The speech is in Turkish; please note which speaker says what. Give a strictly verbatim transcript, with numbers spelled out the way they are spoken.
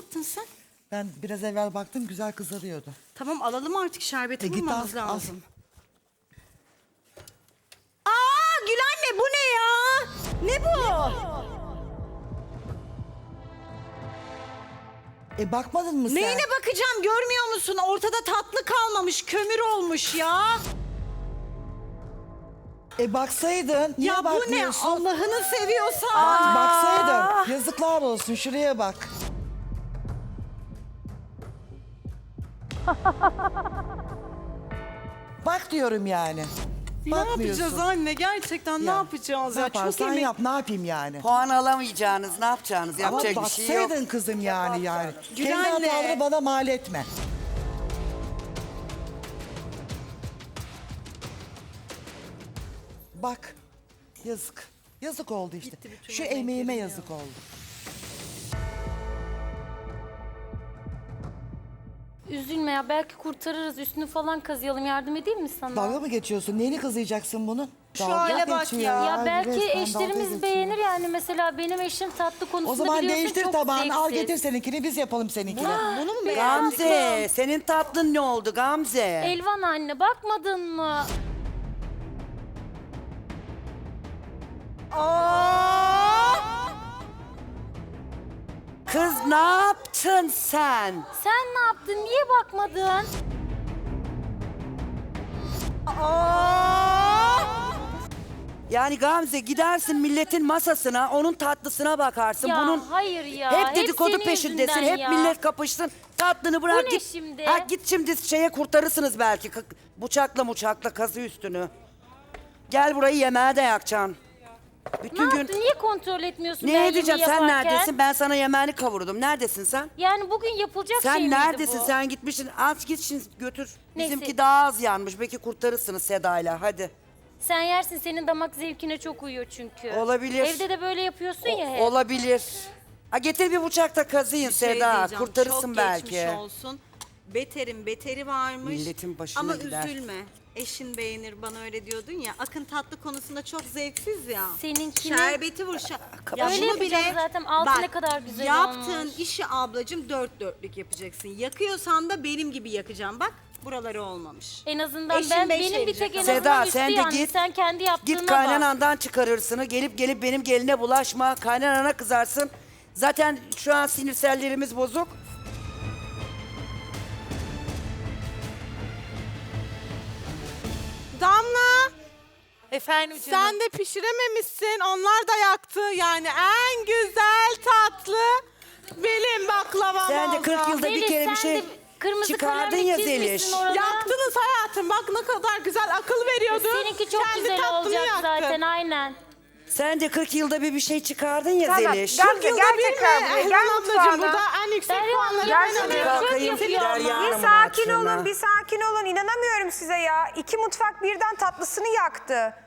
Speaker 1: yaptın sen?
Speaker 2: Ben biraz evvel baktım güzel kızarıyordu.
Speaker 1: Tamam alalım artık şerbeti
Speaker 2: E, git
Speaker 1: bulmamız
Speaker 2: al, al.
Speaker 1: lazım. Aa Gül anne bu ne ya? Ne bu?
Speaker 2: E bakmadın mı sen?
Speaker 1: Neyine bakacağım görmüyor musun? Ortada tatlı kalmamış, kömür olmuş ya.
Speaker 2: E baksaydın. Niye
Speaker 1: Ya bu ne?
Speaker 2: bakmıyorsun?
Speaker 1: Allah'ını seviyorsan.
Speaker 2: Bak, baksaydın. Yazıklar olsun, şuraya bak. Bak diyorum yani.
Speaker 1: Ne
Speaker 2: Bakmıyorsun.
Speaker 1: yapacağız anne? Gerçekten ne
Speaker 2: Ya,
Speaker 1: yapacağız
Speaker 2: ne
Speaker 1: ya? Çok
Speaker 2: yaparsan
Speaker 1: emek.
Speaker 2: yap, ne yapayım yani?
Speaker 3: Puan alamayacağınız, ne yapacağınız?
Speaker 2: Ama
Speaker 3: Yapacak bir şey yok.
Speaker 2: baksaydın kızım yani yani. Kendi
Speaker 1: Gülenle.
Speaker 2: hataları bana mal etme. Bak. Yazık. Yazık oldu işte.
Speaker 1: Gitti bütün
Speaker 2: Şu
Speaker 1: o
Speaker 2: emeğime
Speaker 1: renklerim
Speaker 2: yazık oldu.
Speaker 4: Üzülme ya, belki kurtarırız. Üstünü falan kazıyalım, yardım edeyim mi sana?
Speaker 2: Dalga mı geçiyorsun? Neyini kızıyacaksın bunun?
Speaker 1: Şu
Speaker 2: Dalga
Speaker 1: hale bak
Speaker 2: geçiyor
Speaker 1: ya.
Speaker 4: Ya belki
Speaker 2: resmen dalga
Speaker 4: eşlerimiz
Speaker 2: geçiyor.
Speaker 4: beğenir yani. Mesela benim eşim tatlı konusunda
Speaker 2: O zaman
Speaker 4: biliyorsun
Speaker 2: değiştir
Speaker 4: çok
Speaker 2: tabağını, al
Speaker 4: zevksiz.
Speaker 2: getir seninkini, biz yapalım seninkini.
Speaker 1: Bunu mu beğendin?
Speaker 3: Gamze, senin tatlın ne oldu Gamze?
Speaker 4: Elvan anne, bakmadın mı?
Speaker 3: Kız ne yaptın sen?
Speaker 4: Sen ne yaptın? Niye bakmadın?
Speaker 3: Yani Gamze gidersin milletin masasına, onun tatlısına bakarsın.
Speaker 4: Ya
Speaker 3: Bunun
Speaker 4: hayır ya.
Speaker 3: hep dedikodu
Speaker 4: senin
Speaker 3: peşindesin.
Speaker 4: yüzünden
Speaker 3: Hep
Speaker 4: ya.
Speaker 3: millet kapışsın. Tatlını bırak
Speaker 4: Bu ne
Speaker 3: git.
Speaker 4: şimdi?
Speaker 3: Ha, git şimdi şeye kurtarırsınız belki. K- Bıçakla muçakla kazı üstünü. Gel burayı yemeğe de yakacaksın.
Speaker 4: Ne
Speaker 3: Bütün gün
Speaker 4: yaptın? Niye kontrol etmiyorsun ben
Speaker 3: ne
Speaker 4: yemeği
Speaker 3: edeceğim? Sen
Speaker 4: yaparken?
Speaker 3: neredesin? Ben sana yemeğini kavurdum. Neredesin sen?
Speaker 4: Yani bugün yapılacak şey
Speaker 3: Sen
Speaker 4: miydi
Speaker 3: neredesin?
Speaker 4: bu?
Speaker 3: Sen gitmişsin. Az git şimdi götür.
Speaker 4: Neyse.
Speaker 3: Bizimki daha az yanmış. Belki kurtarırsınız Seda'yla. Hadi.
Speaker 4: Sen yersin, senin damak zevkine çok uyuyor çünkü.
Speaker 3: Olabilir.
Speaker 4: Evde de böyle yapıyorsun ya hep.
Speaker 3: Olabilir. Ha, getir bir bıçak da kazıyın
Speaker 1: Bir şey
Speaker 3: Seda.
Speaker 1: diyeceğim,
Speaker 3: Kurtarırsın
Speaker 1: çok
Speaker 3: belki.
Speaker 1: geçmiş olsun. Beterin beteri varmış.
Speaker 3: Milletin başına
Speaker 1: Ama
Speaker 3: gider.
Speaker 1: üzülme. Eşin beğenir bana öyle diyordun ya. Akın tatlı konusunda çok zevksiz ya.
Speaker 4: Seninkini-
Speaker 1: Şerbeti vur. şa-
Speaker 4: Öyle
Speaker 1: bunu
Speaker 4: yapacağız zaten. Altı ne kadar güzel
Speaker 1: yaptığın
Speaker 4: olmuş.
Speaker 1: işi ablacığım dört dörtlük yapacaksın. Yakıyorsan da benim gibi yakacağım. Bak buraları olmamış.
Speaker 4: En azından
Speaker 1: Eşin
Speaker 4: ben
Speaker 1: beş
Speaker 4: benim bir
Speaker 1: verecek
Speaker 4: tek en
Speaker 1: ama.
Speaker 4: azından
Speaker 3: Seda,
Speaker 4: üstü
Speaker 3: sen de
Speaker 4: yani.
Speaker 3: git.
Speaker 4: Sen kendi yaptığına
Speaker 3: Git
Speaker 4: bak.
Speaker 3: kaynanandan çıkarırsını. Gelip gelip benim geline bulaşma. Kaynanana kızarsın. Zaten şu an sinirsellerimiz bozuk.
Speaker 5: Damla,
Speaker 6: Efendim canım.
Speaker 5: sen de pişirememişsin. Onlar da yaktı. Yani en güzel tatlı benim baklavam
Speaker 3: Sen de
Speaker 5: oldu.
Speaker 3: kırk yılda bir
Speaker 4: Zeliş,
Speaker 3: kere bir
Speaker 4: sen
Speaker 3: şey
Speaker 4: de kırmızı
Speaker 3: çıkardın
Speaker 4: kalemle
Speaker 3: ya
Speaker 4: çizmişsin
Speaker 3: Zeliş.
Speaker 4: oralara.
Speaker 5: Yaktınız hayatım. Bak ne kadar güzel akıl veriyordun.
Speaker 4: Seninki çok
Speaker 5: Kendi
Speaker 4: güzel
Speaker 5: tatlını
Speaker 4: olacak
Speaker 5: yaktın.
Speaker 4: zaten, aynen.
Speaker 3: Sen de kırk yılda bir bir şey çıkardın ya
Speaker 7: Tamam,
Speaker 3: Zeliş.
Speaker 7: Gamze,
Speaker 5: kırk yılda
Speaker 7: gel
Speaker 5: bir
Speaker 7: tekrar
Speaker 5: mi?
Speaker 7: buraya.
Speaker 5: Elvan
Speaker 7: Gel
Speaker 5: ablacığım
Speaker 7: mutfağına.
Speaker 5: burada en yüksek
Speaker 4: Derya Hanım,
Speaker 5: puanları
Speaker 4: gel
Speaker 5: ben
Speaker 4: şuraya.
Speaker 5: alıyorum.
Speaker 3: Kalkayım
Speaker 4: Çöp
Speaker 3: gider
Speaker 4: yapıyor ama.
Speaker 7: Bir
Speaker 3: yarın
Speaker 7: sakin
Speaker 3: hatırına.
Speaker 7: olun, bir sakin olun. İnanamıyorum size ya. İki mutfak birden tatlısını yaktı.